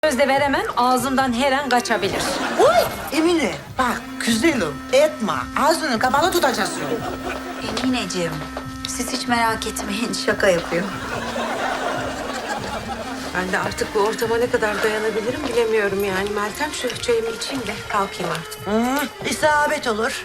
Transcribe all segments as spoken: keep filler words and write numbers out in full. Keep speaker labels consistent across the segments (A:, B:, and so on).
A: Söz de veremem, ağzımdan her an kaçabilir.
B: Uy Emine bak güzelim etme ağzını kapalı tutacaksın.
C: Emineciğim, siz hiç merak etmeyin, şaka yapıyor.
D: Ben de artık bu ortama ne kadar dayanabilirim bilemiyorum yani. Meltem şu çayımı içeyim de kalkayım artık.
B: Hı, isabet olur.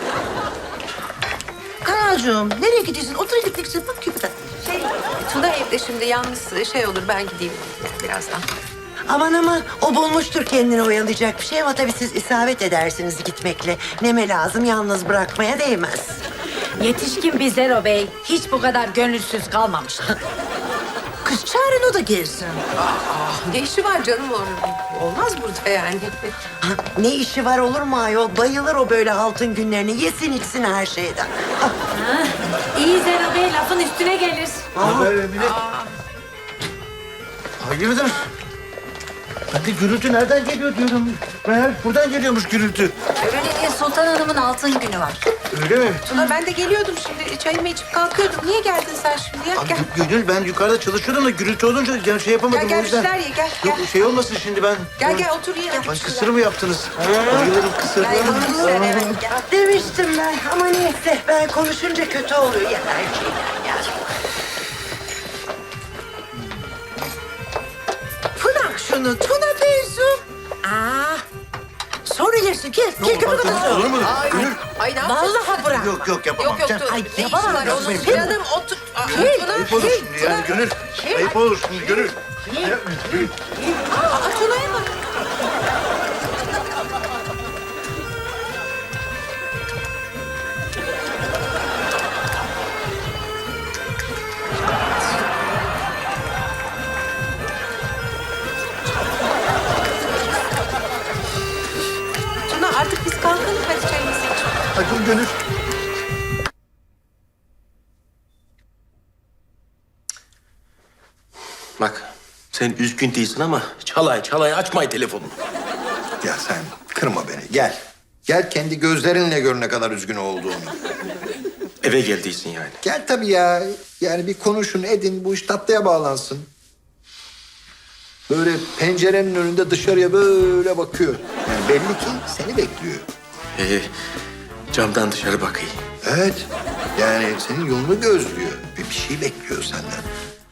B: Kanalcığım nereye gidiyorsun? Otur gideceksin bak küpüden.
D: Şey, Tuna evde şimdi yalnız şey olur ben gideyim yani birazdan.
B: Aman aman o bulmuştur kendini oyalayacak bir şey ama tabii siz isabet edersiniz gitmekle. Neme lazım yalnız bırakmaya değmez.
A: Yetişkin bir Zero Bey hiç bu kadar gönülsüz kalmamıştı.
B: Kız çağırın o da gelsin.
D: Ne işi var canım orada? Olmaz burada yani.
B: Ha, ne işi var olur mu ayol? Bayılır o böyle altın günlerini. Yesin içsin her şeyden. Ah,
A: Ha, iyi Zero Bey lafın üstüne gelir.
E: Haber Emine. Hayırdır? Ben de gürültü nereden geliyor diyorum. Meğer buradan geliyormuş gürültü.
C: Öyle Sultan Hanım'ın altın günü var.
E: Öyle mi?
D: Tuna ben de geliyordum şimdi çayımı içip kalkıyordum. Niye geldin sen şimdi ya?
E: Abi,
D: Gel.
E: Gönül ben yukarıda çalışıyordum da gürültü olunca yani şey yapamadım
D: Gel gel
E: o yüzden.
D: bir şeyler ye gel.
E: Yok
D: Gel
E: şey olmasın şimdi ben.
D: gel, gel otur ye.
E: Ay kısır mı yaptınız? Bayılırım kısır.
D: Gel, otur sen, evet, gel.
B: demiştim ben ama neyse ben konuşunca kötü oluyor ya her şeyden ya. Bırak şunu Tuna teyzem. Aa, sonra yersin gel. Gel köpük odası.
E: Olur mu?
D: Ay,
E: Gönül.
D: ay ne yapıyorsun?
B: Vallahi bırak.
E: Yok yok yapamam.
D: Yok yok
E: Sen-
D: dur.
B: Ay,
D: Ne işi
B: yapamam,
D: var onun?
B: yapmayın.
D: Canım otur. Aa, Tuna.
E: Ayıp olur şimdi yani Gönül. Ayıp olur şimdi Gönül.
D: Aa, Tuna'ya bak. Tuna artık biz kalkalım hadi çayımızı iç.
E: Hadi Gönül.
F: Bak sen üzgün değilsin ama çalay çalay açmay telefonunu.
G: Ya sen kırma beni, gel. Gel kendi gözlerinle gör ne kadar üzgün olduğunu.
F: Eve geldiysin yani.
G: Gel tabii ya. Yani bir konuşun, edin, bu iş tatlıya bağlansın. Böyle pencerenin önünde dışarıya böyle bakıyor. Yani belli ki seni bekliyor.
F: Ee, camdan dışarı bakayım.
G: Evet. Yani senin yolunu gözlüyor. Ve bir şey bekliyor senden.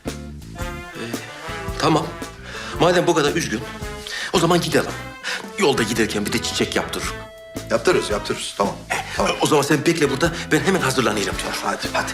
F: Tamam. Madem bu kadar üzgün, o zaman gidelim. Yolda giderken bir de çiçek yaptırırım.
G: Yaptırırız, yaptırırız. Tamam. Tamam.
F: O zaman sen bekle burada, ben hemen hazırlanayım. Hadi, hadi.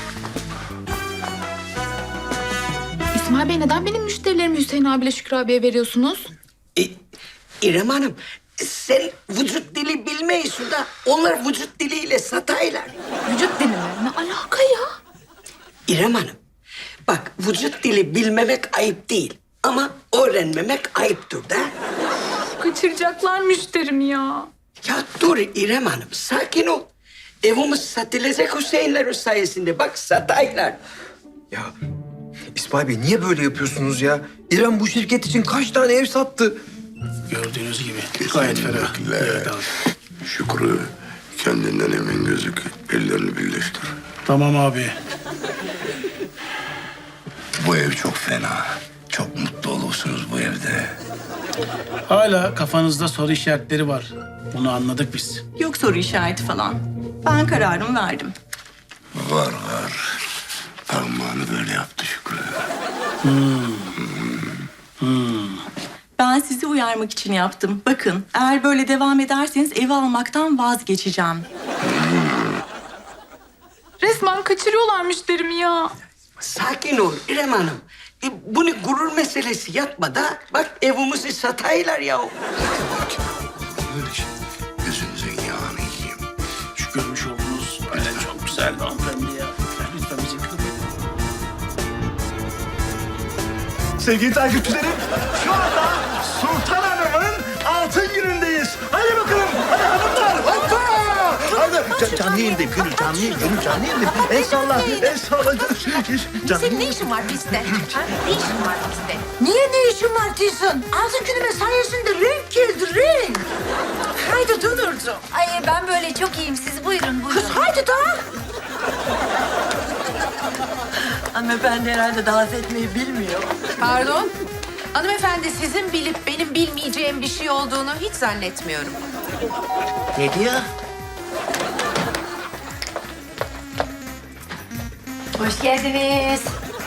H: İsmail Bey neden benim müşterilerimi Hüseyin abiyle Şükrü abiye veriyorsunuz?
I: E, İrem Hanım, sen vücut dili bilmeyisin da onlar vücut diliyle sataylar.
H: Vücut dili mi? Ne alaka ya?
I: İrem Hanım, bak vücut dili bilmemek ayıp değil ama öğrenmemek ayıptır da.
H: Kaçıracaklar müşterimi ya.
I: Ya dur İrem Hanım, sakin ol. Evimiz satılacak Hüseyinler sayesinde. Bak sataylar.
J: Ya İsmail Bey niye böyle yapıyorsunuz ya? İrem bu şirket için kaç tane ev sattı?
K: Gördüğünüz gibi gayet ferah. Evet abi.
L: Şükrü, kendinden emin gözük. Ellerini birleştir.
K: Tamam abi.
L: Bu ev çok fena. Çok mutlu olursunuz bu evde.
K: Hala kafanızda soru işaretleri var. Bunu anladık biz.
M: Yok soru işareti falan. Ben kararımı verdim.
L: Var var. Parmağını böyle yaptı Şükrü.
M: Ben sizi uyarmak için yaptım. Bakın eğer böyle devam ederseniz evi almaktan vazgeçeceğim.
H: Resmen kaçırıyorlar müşterimi ya.
I: Sakin ol İrem Hanım. E, bunu gurur meselesi yapma da. Bak evimizi sataylar ya.
L: Böyle şey. Gözünüzün yağını yiyeyim.
K: Şu görmüş olduğunuz öyle çok güzeldi hanımefendi ya. Lütfen bizi kırmayın.
E: Sevgili takipçilerim, şu anda Sultan Hanım'ın altın günündeyiz. Hadi bakalım, hadi hanımlar, hoppa! Hadi, Can, canlı yayındayım, Gönül, canlı yayın, Gönül, canlı yayındayım. El salla, el salla. Canlı
A: Senin ne işin var bizde? Ha? Ne işin var bizde?
B: Niye ne işin var Tizan? Altın günüme sayesinde renk geldi renk. Haydi Dönürcüğüm.
C: Ay ben böyle çok iyiyim, siz buyurun buyurun.
B: Kız haydi daha. Hanımefendi herhalde dans etmeyi bilmiyor.
D: Pardon. Hanımefendi sizin bilip benim bilmeyeceğim bir şey olduğunu hiç zannetmiyorum.
B: Ne diyor?
A: Hoş geldiniz.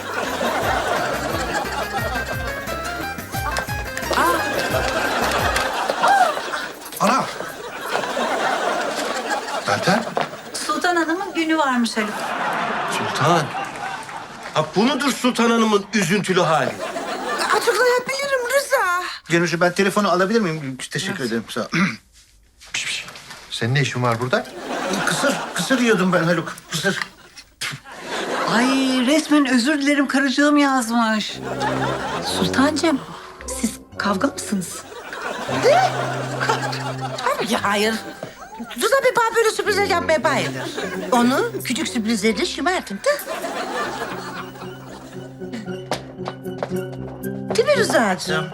G: Ana! Meltem?
C: Sultan Hanım'ın günü varmış Haluk.
F: Sultan. Ha bu mudur Sultan Hanım'ın üzüntülü hali?
B: Açıklayabilirim Rıza.
E: Gönülcüğüm ben telefonu alabilir miyim? Teşekkür ederim. Sağ ol.
G: Senin ne işin var burada?
E: Kısır, kısır yiyordum ben Haluk. Kısır.
I: Ay resmen özür dilerim karıcığım yazmış.
H: Sultancığım, siz kavga mısınız?
B: Ya hayır. Rıza Bey bana böyle sürprizler yapmaya bayılır. Onu küçük sürprizlerle şımartın da. Değil mi Rıza'cığım?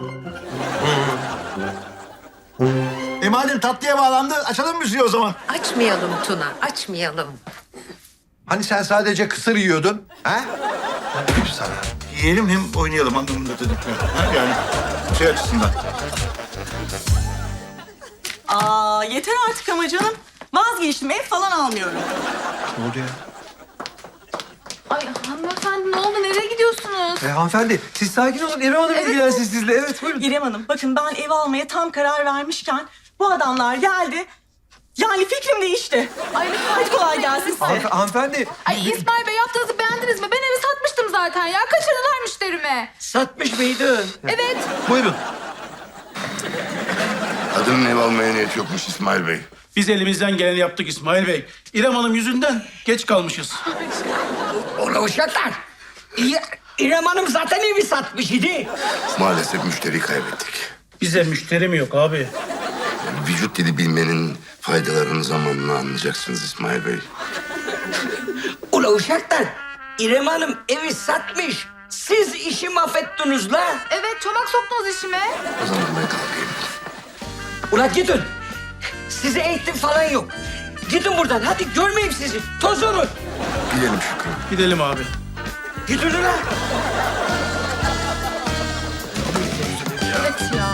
E: E madem tatlıya bağlandı açalım müziği o zaman.
D: Açmayalım Tuna, açmayalım.
G: Hani sen sadece kısır yiyordun? Ha? Sana.
E: Yiyelim hem oynayalım anlamında dedim. Ha, yani şey açısından.
M: Aa yeter artık ama canım. Vazgeçtim, ev falan almıyorum.
J: Ne oldu ya?
H: Ay hanımefendi ne oldu? Nereye gidiyorsunuz?
J: E, hanımefendi siz sakin olun. İrem Hanım ilgilensin sizle. Evet buyurun.
M: İrem Hanım, bakın ben ev almaya tam karar vermişken bu adamlar geldi. Yani fikrim değişti. Ay hadi kolay gelsin size.
J: Hanıfe- hanımefendi.
H: Ay İsmail Bey yaptığınızı beğendiniz mi? Ben evi satmıştım zaten ya. Kaçırdılar müşterimi.
I: Satmış mıydın?
H: Evet.
E: Buyurun.
L: Kadının ev almaya niyeti yokmuş İsmail Bey.
K: Biz elimizden geleni yaptık İsmail Bey. İrem Hanım yüzünden geç kalmışız.
I: Ola uşaklar. İ- İrem Hanım zaten evi satmış idi.
L: Maalesef müşteri kaybettik.
K: Bize müşteri mi yok abi?
L: Vücut dili bilmenin faydalarını zamanla anlayacaksınız İsmail Bey.
I: Ula uşaklar. İrem Hanım evi satmış. Siz işi mahvettiniz la.
H: Evet çomak soktunuz işime.
L: O zaman ben kalkayım.
I: Ula gidin. Size eğitim falan yok. Gidin buradan. Hadi görmeyeyim sizi. Toz olun.
L: Gidelim Şükrü.
K: Gidelim abi.
I: Gidin ula.
H: Evet ya.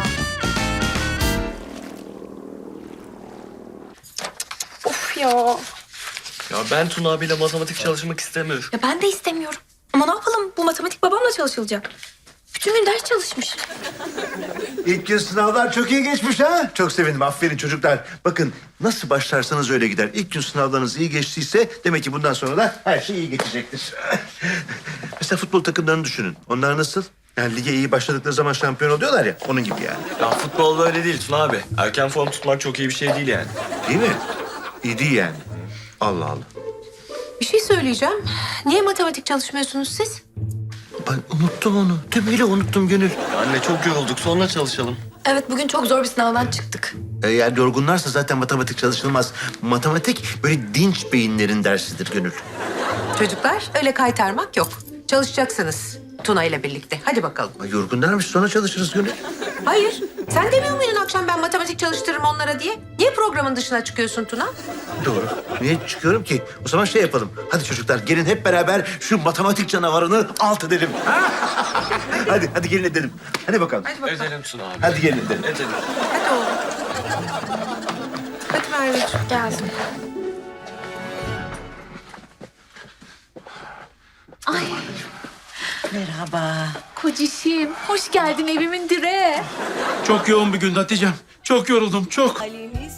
D: Of ya.
F: Ya ben Tuna abiyle matematik çalışmak istemiyorum.
H: Ya ben de istemiyorum. Ama ne yapalım? Bu matematik babamla çalışılacak. Bütün gün ders çalışmış.
E: İlk gün sınavlar çok iyi geçmiş ha. Çok sevindim. Aferin çocuklar. Bakın nasıl başlarsanız öyle gider. İlk gün sınavlarınız iyi geçtiyse demek ki bundan sonra da her şey iyi geçecektir. Mesela futbol takımlarını düşünün. Onlar nasıl? Yani lige iyi başladıkları zaman şampiyon oluyorlar ya. Onun gibi yani.
F: Ya futbol böyle değil Tuna abi. Erken form tutmak çok iyi bir şey değil yani.
E: Değil mi? İyi değil yani. Allah Allah.
D: Bir şey söyleyeceğim. Niye matematik çalışmıyorsunuz siz?
E: Ben unuttum onu. Tümüyle unuttum Gönül.
F: Anne çok yorulduk sonra çalışalım.
H: Evet bugün çok zor bir sınavdan çıktık.
E: Eğer yorgunlarsa zaten matematik çalışılmaz. Matematik böyle dinç beyinlerin dersidir Gönül.
D: Çocuklar öyle kaytarmak yok. Çalışacaksınız Tuna ile birlikte. Hadi bakalım.
E: Ay, yorgunlarmış sonra çalışırız Gönül.
D: Hayır. Sen demiyor muydun akşam ben matematik çalıştırırım onlara diye? Niye programın dışına çıkıyorsun Tuna?
E: Doğru. Niye çıkıyorum ki? O zaman şey yapalım. Hadi çocuklar gelin hep beraber şu matematik canavarını alt edelim. hadi hadi gelin edelim. Hadi bakalım.
D: Hadi bakalım.
F: Edelim Tuna abi.
E: Hadi gelin edelim.
F: Edelim.
D: Hadi oğlum. Hadi Merveciğim.
H: Geldim. Ay
B: Merhaba.
H: kocişim hoş geldin evimin direği.
K: Çok yoğun bir gün Hatice'm. Çok yoruldum çok.